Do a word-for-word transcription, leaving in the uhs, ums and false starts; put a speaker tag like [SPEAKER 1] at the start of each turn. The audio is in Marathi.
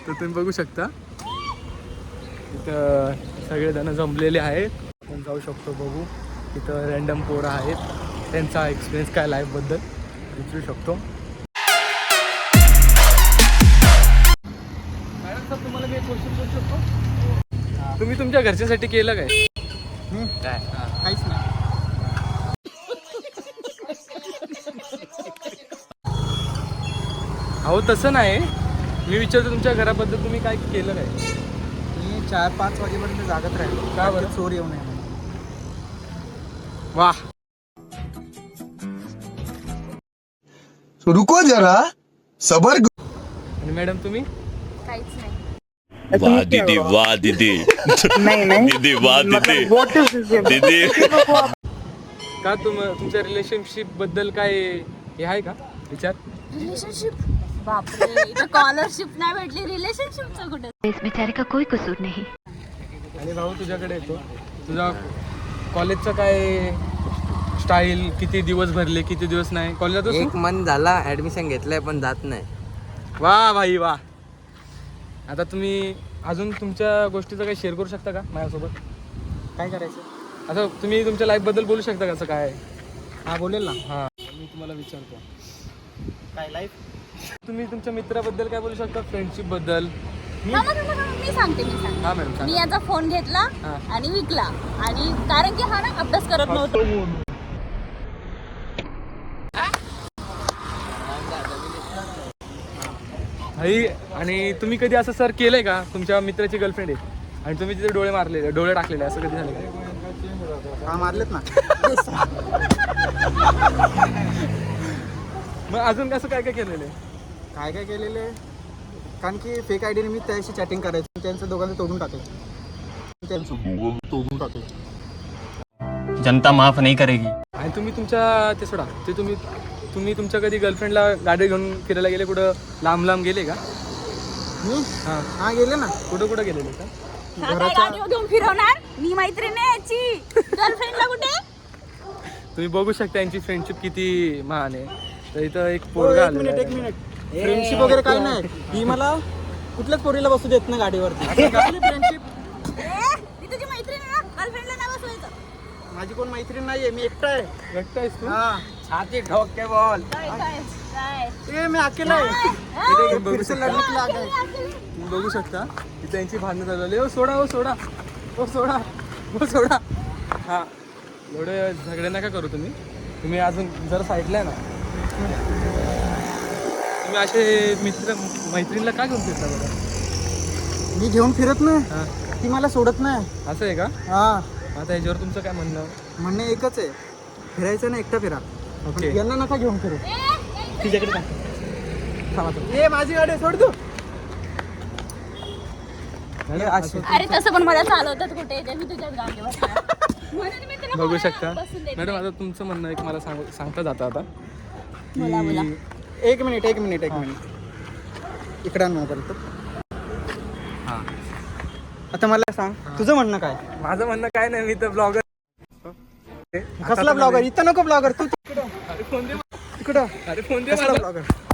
[SPEAKER 1] तर तुम्ही बघू शकता इथं सगळेजण जमलेले आहेत. आपण जाऊ शकतो बघू. इथं रँडम पोरं आहेत, त्यांचा एक्सपिरियन्स काय लाईफबद्दल विचारू शकतो. मॅडम सर तुम्हाला मी एक क्वेश्चन करू शकतो? तुम्ही तुमच्या घरच्यांसाठी केलं काय?
[SPEAKER 2] काय काहीच नाही.
[SPEAKER 1] अहो तसं नाही, मी विचारतो तुमच्या घराबद्दल तुम्ही काय केलं काय?
[SPEAKER 2] मी चार पाच वाजेपर्यंत जागत राहिलो.
[SPEAKER 1] का बरं?
[SPEAKER 2] चोर येऊ नये.
[SPEAKER 1] वाह,
[SPEAKER 3] रुको जरा सबर.
[SPEAKER 1] आणि मॅडम तुम्ही?
[SPEAKER 4] काहीच नाही.
[SPEAKER 5] वाह दीदी, वाह दीदी, दीदी वाह दीदी, दीदी.
[SPEAKER 1] का तुम तुमच्या रिलेशनशिप बद्दल काय हे आहे का विचार?
[SPEAKER 4] रिलेशनशिप? बापरे, इथं स्कॉलरशिप नाही भेटली, रिलेशनशिपचं कुठे?
[SPEAKER 6] इस बेचारे का कोई कसूर नहीं.
[SPEAKER 1] आणि भाऊ तुझ्याकडे येतो, तुझा कॉलेजचं काय स्टाईल, किती दिवस भरले किती दिवस नाही कॉलेजात?
[SPEAKER 7] एक मंथ झाला ऍडमिशन घेतलंय पण जात नाही.
[SPEAKER 1] वा भाई वा. आता तुम्ही अजून तुमच्या गोष्टीचं काही शेअर करू शकता का माझ्यासोबत?
[SPEAKER 2] काय करायचं?
[SPEAKER 1] आता तुम्ही तुमच्या लाईफबद्दल बोलू शकता का? असं काय?
[SPEAKER 2] हा बोलेल ना.
[SPEAKER 1] हां मी तुम्हाला विचारतो,
[SPEAKER 2] काय लाईफ?
[SPEAKER 1] तुम्ही तुमच्या मित्राबद्दल काय बोलू शकता, फ्रेंडशिपबद्दल?
[SPEAKER 4] थांबा, थांबा, थांबा. मी सांगते मी सांगते
[SPEAKER 1] हां मॅडम
[SPEAKER 4] मी
[SPEAKER 1] सांगा.
[SPEAKER 4] याचा फोन घेतला
[SPEAKER 1] हा.
[SPEAKER 4] आणि विकला, आणि कारण की हा ना अभ्यास करत नव्हता.
[SPEAKER 1] भाई, आणि तुम्ही कधी असं सर केलंय का? तुमच्या मित्राची गर्लफ्रेंड आहे आणि तुम्ही तिथे डोळे मारलेले, डोळे टाकलेले, असं कधी झालं का?
[SPEAKER 2] हा मारलेत ना.
[SPEAKER 1] मग अजून कसं काय काय केलेलं आहे?
[SPEAKER 2] काय काय केलेले? कारण की फेक आय डीने मी त्याशी चॅटिंग करायचं, त्यांचं दोघांचं तोडून टाकायचं, त्यांचं दोघांचं तोडून टाकायचं.
[SPEAKER 8] जनता माफ नहीं करेगी.
[SPEAKER 1] आणि तुम्ही तुमच्या ते सोडा, ते तुम्ही तुम्ही तुमच्या कधी गर्लफ्रेंडला गाडी घेऊन फिरायला गेले, कुठं लांब लांब गेले का?
[SPEAKER 2] मी
[SPEAKER 1] हां,
[SPEAKER 2] हा गेले ना.
[SPEAKER 1] कुठं कुठं गेलेले का?
[SPEAKER 4] हा काय गाडीवर घेऊन फिरवणार? मी मैत्रीण आहे याची, गर्लफ्रेंडला कुठे?
[SPEAKER 1] तुम्ही बघू शकता यांची फ्रेंडशिप किती महान आहे. तर इथं एक
[SPEAKER 2] हो,
[SPEAKER 1] पोरगा
[SPEAKER 2] एक मिनिट एक
[SPEAKER 1] आलेला
[SPEAKER 2] मिनिट. फ्रेंडशिप वगैरे काही नाही. ही मला कुठल्याच पोरीला बसू देत नाही गाडीवरती. फ्रेंडशिप
[SPEAKER 4] ए, मी तुझी मैत्रीण आहे ना, गर्लफ्रेंडला नाही बसवायचं.
[SPEAKER 2] माझी कोण मैत्रीण नाहीये, मी एकटा आहे.
[SPEAKER 1] व्यक्त आहेस तू?
[SPEAKER 2] हा.
[SPEAKER 7] छाती ठोक के बोल.
[SPEAKER 4] काय काय काय
[SPEAKER 2] ए, मी अकेला आहे.
[SPEAKER 4] काय?
[SPEAKER 1] तुम्ही बघू
[SPEAKER 2] फिरसे
[SPEAKER 1] शकता,
[SPEAKER 2] लढने के लिए आ गए.
[SPEAKER 1] तुम्ही बघू शकता इथं यांची भांडणं चालू झाली. ओ सोडा, ओ सोडा, ओ सोडा, ओ सोडा. हां, एवढे झगडे नका करू तुम्ही. तुम्ही अजून जर साईडला आहे ना, तुम्ही असे मित्र मैत्रिणीला का घेऊन फिरता बघा?
[SPEAKER 2] मी घेऊन फिरत नाही,
[SPEAKER 1] हां,
[SPEAKER 2] ती मला सोडत नाही.
[SPEAKER 1] असं आहे का?
[SPEAKER 2] हा,
[SPEAKER 1] आता याच्यावर तुमचं काय म्हणणं?
[SPEAKER 2] म्हणणे एकच आहे, फिरायचं ना एकटा फिरा.
[SPEAKER 1] ओके.
[SPEAKER 2] यांना नका घेऊन फिरू.
[SPEAKER 4] ए, ए,
[SPEAKER 2] तिच्याकडे टाक. थांबा थांबा. ए, माझी गाडी आहे, सोड तू.
[SPEAKER 4] अरे तसं पण मला चालवतात कुठे, ते मी तुझ्याच गाडी बसणार. म्हणून मी तुला
[SPEAKER 1] बघू
[SPEAKER 4] कोणाला
[SPEAKER 1] शकता
[SPEAKER 4] बसून देत
[SPEAKER 1] मॅडम.
[SPEAKER 4] नाही.
[SPEAKER 1] आता तुमचं म्हणणं एक मला सांग सांगता जातं आता
[SPEAKER 4] बोला, बोला.
[SPEAKER 1] की
[SPEAKER 2] एक मिनिट एक मिनिट एक मिनिट इकडे आण मोबाईल तर.
[SPEAKER 1] हां,
[SPEAKER 2] आता मला सांग, तुझं म्हणणं काय?
[SPEAKER 1] माझं म्हणणं काय नाही, मी तर ब्लॉगर.
[SPEAKER 2] कसला ब्लॉगर? इथं नको ब्लॉगर, तू तिकडं
[SPEAKER 1] अरे फोन दे,
[SPEAKER 2] तिकडं.
[SPEAKER 1] अरे फोन दे
[SPEAKER 2] कसला
[SPEAKER 1] माझा.
[SPEAKER 2] ब्लॉगर?